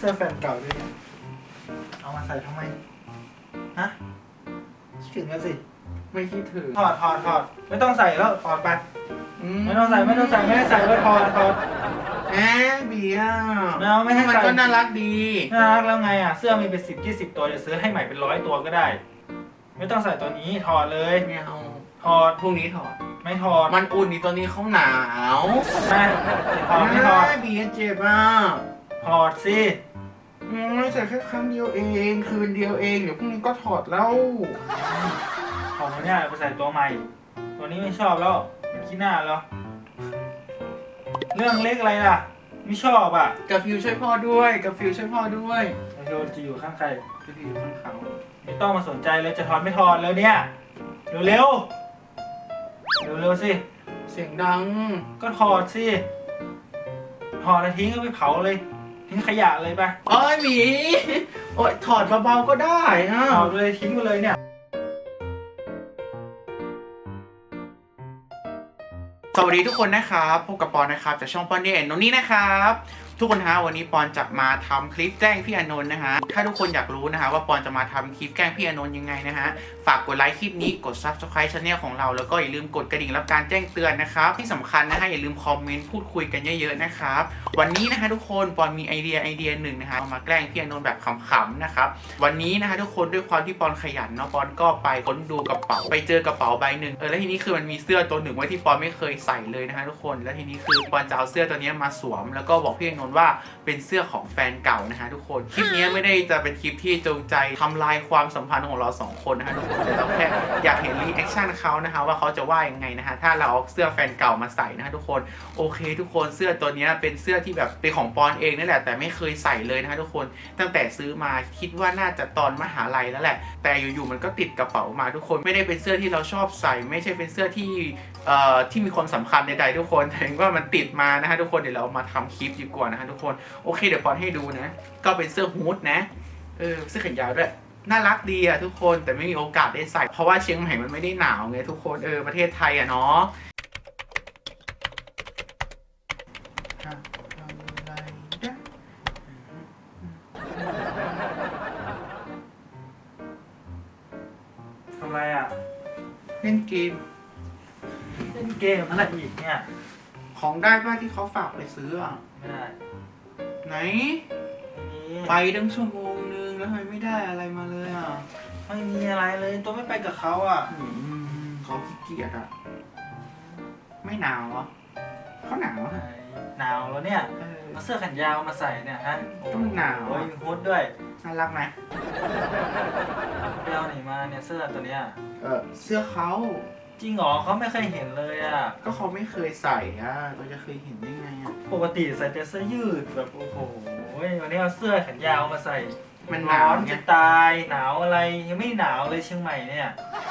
สื้อแฟนเก่าด้วยเนี่ยเอามาใส่ทำไมฮะคิดถึงกันสิไม่คิดถึงถอดไม่ต้องใส่แล้วถอดไปไม่ต้องใส่ไม่ได้ใส่ก็ถอดแหมเบียร์ไม่ให้มันใส่ก็น่ารักดีน่ารักแล้วไงอ่ะเสื้อมีเป็น10-20ตัวจะซื้อให้ใหม่เป็น100ตัวก็ได้ไม่ต้องใส่ตัวนี้ถอดเลยไม่เอาถอดพรุ่งนี้ถอดไม่ถอดมันอุ่นนี่ตัวนี้เขาหนาวไม่ถอดเบียร์เจ็บอ่ะถอดสิไม่ใส่แค่ครั้งเดียวเองคืนเดียวเองเดี๋ยวพรุ่งนี้ก็ถอดแล้วถอดตัวเนี้ยไปใส่ตัวใหม่ตัวนี้ไม่ชอบแล้วมันขี้หน้าแล้วเรื่องเล็กอะไรล่ะไม่ชอบอ่ะกับฟิวช่วยพ่อด้วยกับฟิวช่วยพ่อด้วยโยนจะอยู่ข้างใครจะอยู่ข้างเขาไม่ต้องมาสนใจเลยจะถอดไม่ถอดแล้วเนี่ยเร็วสิเสียงดังก็ถอดสิถอดแล้วทิ้งก็ไปเผาเลยทิ้งขยะเลยไปโอ้ยหมีโอ้ยถอดเบาๆก็ได้ฮะถอดเลยทิ้งไปเลยเนี่ยสวัสดีทุกคนนะครับพบกับปอนนะครับจากช่องปอนนี่แอนโนนี่นะครับทุกคนฮะวันนี้ปอนจะมาทำคลิปแกล้งพี่อานนท์นะฮะถ้าทุกคนอยากรู้นะฮะว่าปอนจะมาทำคลิปแกล้งพี่อานนท์ยังไงนะฮะฝากกดไลค์คลิปนี้กด Subscribe ช่องของเราแล้วก็อย่าลืมกดกระดิ่งรับการแจ้งเตือนนะครับที่สำคัญนะฮะอย่าลืมคอมเมนต์พูดคุยกันเยอะๆนะครับวันนี้นะฮะทุกคนปอนมีไอเดียหนึ่งนะฮะมาแกล้งพี่อานนท์แบบขำๆนะครับวันนี้นะฮะทุกคนด้วยความที่ปอนขยันเนาะปอนก็ไปค้นดูกระเป๋าไปเจอกระเป๋าใบหนึ่งแล้วทีนี้คือมันมีเสื้อตัวหนึ่งไว้ที่ปอนไม่เคยใส่เลยนะฮะทุกคนแล้วทีนี้คือปอนจะเอาเสื้อตัวนี้มาสวมแล้วก็บอกพี่อานนท์ว่าเป็นเสื้อของแฟนเก่านะฮะทุกคนคลิปนี้ไม่ได้จะเป็นคลิปที่จงใจทำลายความสัมพันธ์ของเรา2คนนะฮะทุกคนแต่เราแค่อยากเห็นรีแอคชั่นเขานะฮะว่าเขาจะว่ายังไงนะฮะถ้าเราเอาเสื้อแฟนเก่ามาใส่นะฮะทุกคนโอเคทุกคนเสื้อตัวนี้เป็นเสื้อที่แบบเป็นของปอนเองนี่แหละแต่ไม่เคยใส่เลยนะฮะทุกคนตั้งแต่ซื้อมาคิดว่าน่าจะตอนมหาลัยแล้วแหละแต่อยู่ๆมันก็ติดกระเป๋ามาทุกคนไม่ได้เป็นเสื้อที่เราชอบใส่ไม่ใช่เป็นเสื้อที่มีความสำคัญใดๆทุกคนแต่ว่ามันติดมานะฮะทุกคนเดี๋ยวเรามาทำคลิปดีกว่านะฮะทุกคนโอเคเดี๋ยวปอนให้ดูนะก็เป็นเสื้อฮู้ดนะเสื้อแขนยาวด้วยน่ารักดีอะทุกคนแต่ไม่มีโอกาสได้ใส่เพราะว่าเชียงใหม่มันไม่ได้หนาวไงทุกคนประเทศไทยอะเนาะทำอะไรอะเล่นเกมอะไรอีกเนี่ยของได้ป่ะที่เขาฝากไปซื้ออะไม่ได้ไหนไปตั้งชั่วโมงนึงแล้วทำไมไม่ได้อะไรมาเลยอ่ะไม่มีอะไรเลยตัวไม่ไปกับเขาอ่ะเขาขี้เกียจอ่ะไม่หนาวเหรอเขาหนาวอ่ะหนาวแล้วเนี่ยมาเสื้อแขนยาวมาใส่เนี่ยฮะต้องหนาวมีฮู้ดด้วยน่ารักไหมไปเอาไหนมาเนี่ยเสื้อตัวเนี้ยเสื้อเขาจริงเหรอเขาไม่เคยเห็นเลยอ่ะก็เขาไม่เคยใส่อ่ะเราจะเคยเห็นได้ไงอ่ะปกติใส่แต่เสื้อยืดแบบโอ้โหวันนี้เอาเสื้อแขนยาวมาใส่มันหนาวจะตายหนาวอะไรยังไม่หนาวเลยเชียงใหม่เนี่ย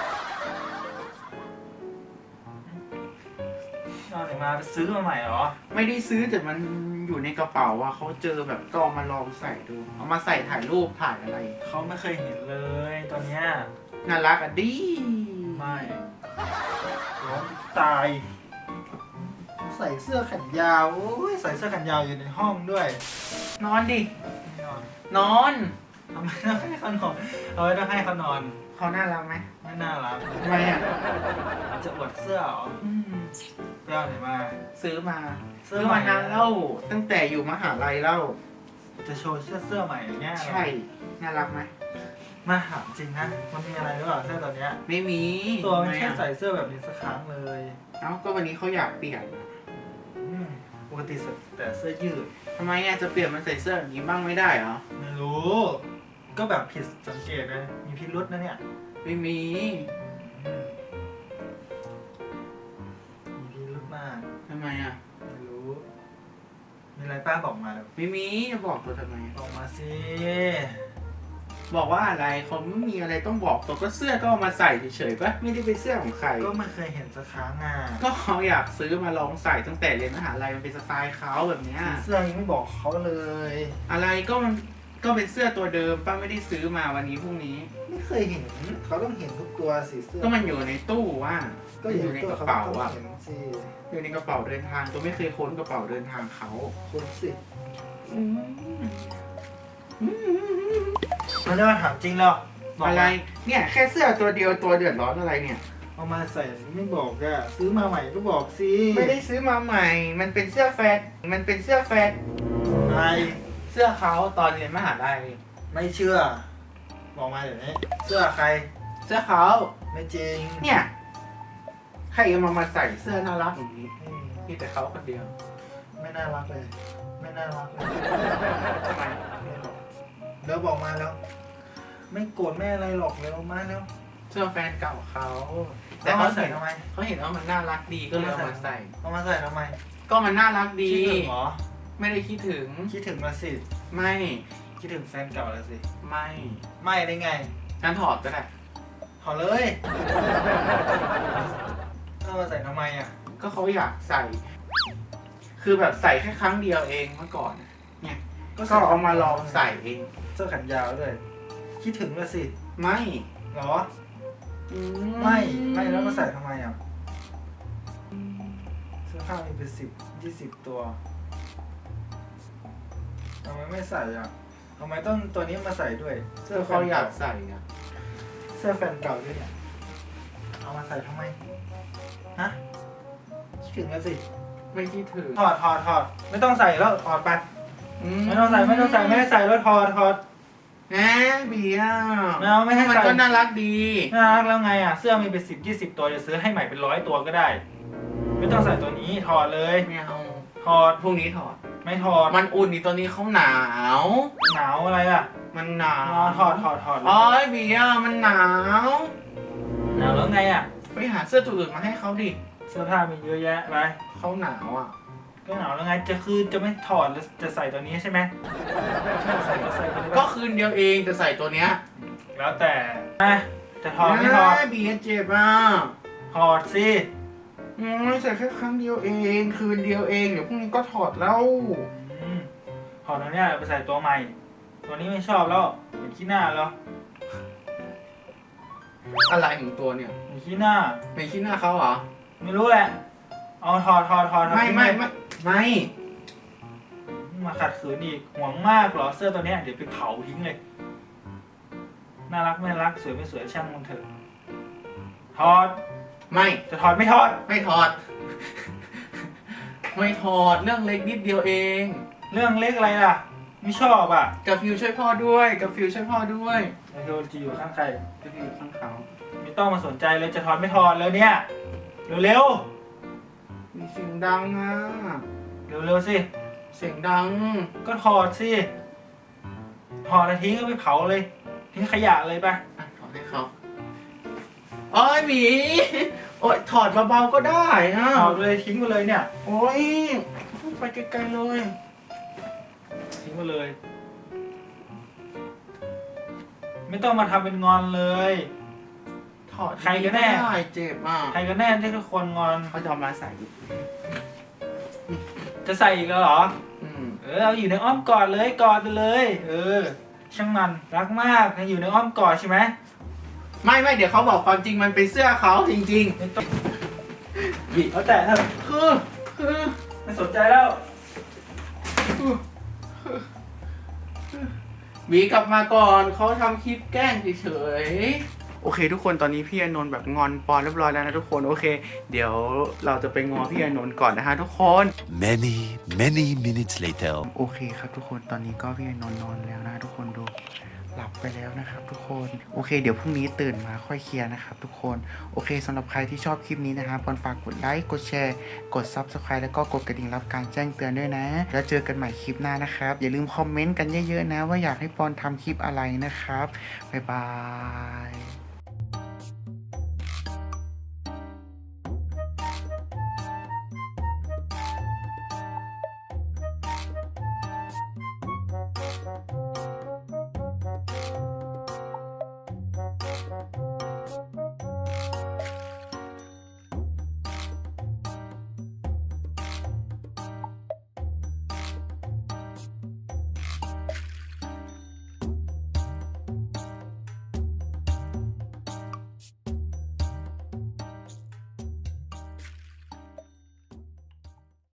เอาไหนมาซื้อมาใหม่เหรอไม่ได้ซื้อแต่มันอยู่ในกระเป๋าอ่ะเขาเจอแบบก็เอามาลองใส่ดูเอามาใส่ถ่ายรูปถ่ายอะไรเขาไม่เคยเห็นเลยตอนเนี้ยน่ารักอ่ะดิไม่ร้อนตายใส่เสื้อแขนยาวโอ้ยใส่เสื้อแขนยาวอยู่ในห้องด้วยนอนดินอนทำไมต้องให้เขานอนเอาไว้ต้องให้เขานอนเขาน่ารักไหมไม่น่ารักทำไมอ่ะจะอวดเสื้อเหรอไปเอาไหนมาซื้อมานานแล้วตั้งแต่อยู่มหาลัยแล้วจะโชว์เสื้อใหม่อย่างเงี้ยใช่น่ารักไหมมาถามจริงนะมันมีอะไรหรือเปล่าเสื้อตัวเนี้ยไม่มีตัวมันแค่ใส่เสื้อแบบนี้สักครั้งเลยก็วันนี้เขาอยากเปลี่ยนปกติแต่เสื้อยืดทำไมจะเปลี่ยนมันใส่เสื้อแบบนี้บ้างไม่ได้เหรอไม่รู้ก็แบบผิดสังเกตนะมีพิรุษนะเนี่ยไม่มีพิรุษมากทำไมไม่รู้มีอะไรป้าบอกมาไม่มีจะบอกตัวทำไมบอกมาสิบอกว่าอะไรเขาไม่มีอะไรต้องบอกตัวก็เสื้อก็เอามาใส่เฉยๆปะไม่ได้เป็นเสื้อของใครก็ไม่เคยเห็นสักครั้งก็เขาอยากซื้อมาลองใส่ตั้งแต่เรียนมหาลัยมันเป็นสไตล์เขาแบบนี้เสื้อยังไม่บอกเขาเลยอะไรก็เป็นเสื้อตัวเดิมป้าไม่ได้ซื้อมาวันนี้พรุ่งนี้ไม่เคยเห็นเขาต้องเห็นทุกตัวสิเสื้อก็มันอยู่ในตู้ก็อยู่ในกระเป๋าอยู่ในกระเป๋าเดินทางตัวไม่เคยค้นกระเป๋าเดินทางเขาค้นสิมันจะมาถามจริงแล้วบกอะไรมาเนี่ยแค่เสื้อตัวเดียวตัวเดือดร้อนอะไรเนี่ยเอามาใส่ไม่บอกอะซื้อมาใหม่ก็บอกสิไม่ได้ซื้อมาใหม่ มันเป็นเสื้อแฟตมันเป็นเสื้อแฟตไม่เสื้อเขาตอนเรียนมหาลัยไม่เชื่อ บอกมาเดี๋ยวนี้เสื้อใครเสื้อเขาไม่จริงเนี่ยใครเอามาใส่เสื้อน่ารักอย่างนี้อืมมีแต่เขาคนเดียวไม่น่ารักเลย ไม่น่ารักเลยทำไมแล้วบอกมาแล้ว ไม่โกรธไม่อะไรหรอกเลยมาแล้วเสื้อแฟนเก่าเขาแต่เขาใส่ทำไมเขาเห็นว่ามันน่ารักดีก็เลยเอามาใส่เอามาใส่ทำไมก็มันน่ารักดีคิดถึงเหรอไม่ได้คิดถึงคิดถึงละสิไม่คิดถึงแฟนเก่าละสิไม่ไม่ได้ไงงั้นถอดก็ได้ขอเลยเอามาใส่ทำไมอ่ะก็เขาอยากใส่ คือแบบใส่แค่ครั้งเดียวเองเมื่อก่อน เนี่ยก็เอามาลองใส่เองเสื้อแขนยาวด้วย คิดถึงละสิไม่เหรอ ไม่แล้วมาใส่ทำไมอ่ะ เสื้อผ้ามีเป็น10-20 ตัวทำไมไม่ใส่อ่ะทำไมต้องตัวนี้มาใส่ด้วยเสื้อเขาอยากใส่อะเสื้อแฟนเก่าด้วยเนี่ย เอามาใส่ทำไม ฮะ คิดถึงแล้วสิไม่คิดถึงถอด ไม่ต้องใส่แล้วถอดไป ไม่ต้องใส่ไม่ได้ใส่แล้วถอดแหมเบียร์ไม่เอาไม่ให้ใส่มันก็น่ารักดีน่ารักแล้วไงอ่ะ เสื้อมีเป็น10-20 ตัวจะซื้อให้ใหม่เป็น100 ตัวก็ได้ ไม่ต้องใส่ตัวนี้ถอดเลยไม่เอาถอดพรุ่งนี้ถอดไม่ถอดมันอุ่นนี่ตัวนี้เขาหนาวหนาวอะไรอ่ะมันหนาวถอดอ๋อเบียร์มันหนาวหนาวแล้วไงอ่ะไปหาเสื้อตัวอื่นมาให้เขาดิเสื้อผ้ามีเยอะแยะไปเขาหนาวอ่ะก็หนาวแล้วไงจะไม่ถอดแล้วจะใส่ตัวนี้ใช่ไหมใส่ก็ใส่ไปเลยก็คืนเดียวเองจะใส่ตัวเนี้ยแล้วแต่จะถอดไม่ถอดเบียร์เจ็บอ่ะถอดสิใส่แค่ครั้งเดียวเองคืนเดียวเองเดี๋ยวพรุ่งนี้ก็ถอดแล้วถอดตัวเนี้ยไปใส่ตัวใหม่ ตัวนี้ไม่ชอบแล้วเห็นขี้หน้าแล้วอะไรของตัวเนี่ยเห็นขี้หน้าไม่คิดหน้าเขาเหรอไม่รู้แหละเอาถอดไม่มาขัดขืนอีกห่วงมากเหรอเสื้อตัวเนี้ยเดี๋ยวไปเผาทิ้งเลย น่ารักไม่รักสวยไม่สวยช่างมันเถอะถอดไม่จะถอดไม่ถอดไม่ถอด ไม่ถอดเรื่องเล็กนิดเดียวเองเรื่องเล็กอะไรล่ะ ไม่ชอบอ่ะกับฟิวช่วยพ่อด้วยกับฟิวช่วยพ่อด้วยไอโดนจะอยู่ข้างใครกับฟิวข้างเขาไม่ต้องมาสนใจเลยจะถอดไม่ถอดแล้วเนี่ยเร็วมีเสียงดังอ่ะๆเร็วๆสิเสียงดังก็ถอดสิถอดแล้วทิ้งก็ไปเผาเลยทิ้งขยะเลยไปอ่ะถอดให้เขาโอ้ยหมีโอ้ยถอดเบาๆก็ได้ฮะถอดเลยทิ้งไปเลยเนี่ยโอ้ยไปไกลๆเลยทิ้งไปเลย ไม่ต้องมาทำเป็นงอนเลยถอดใครกันแน่ไม่ได้เจ็บอ่ะใครกันแน่ที่ทุกคนงอนเขาจะเอามาใส่จะใส่อีกแล้วเหรออืมเอาอยู่ในอ้อมกอดเลยกอดไปเลย ช่างมันรักมากนะอยู่ในอ้อมกอดใช่ไหมไม่เดี๋ยวเขาบอกความจริงมันเป็นเสื้อเขาจริงไม่ต้องบีบเขาแตะเถอะๆ คือไม่สนใจแล้วหวีกลับมาก่อนเขาทำคลิปแกล้งเฉยๆโอเค ทุกคนตอนนี้พี่อนนท์แบบงอนปอนเรียบร้อยแล้วนะทุกคนโอเค เดี๋ยวเราจะไปงอพี่อนนท์ก่อนนะฮะทุกคน Many minutes later. โอเคครับทุกคนตอนนี้ก็พี่อนนท์นอนแล้วนะทุกคนดูหลับไปแล้วนะครับทุกคนโอเคเดี๋ยวพรุ่งนี้ตื่นมาค่อยเคลียร์นะครับทุกคนโอเคสำหรับใครที่ชอบคลิปนี้นะครับปอนฝากกดไลค์กดแชร์กด Subscribe แล้วก็กดกระดิ่งรับการแจ้งเตือนด้วยนะแล้วเจอกันใหม่คลิปหน้านะครับอย่าลืมคอมเมนต์กันเยอะๆนะว่าอยากให้ปอนทำคลิปอะไรนะครับบ๊ายบาย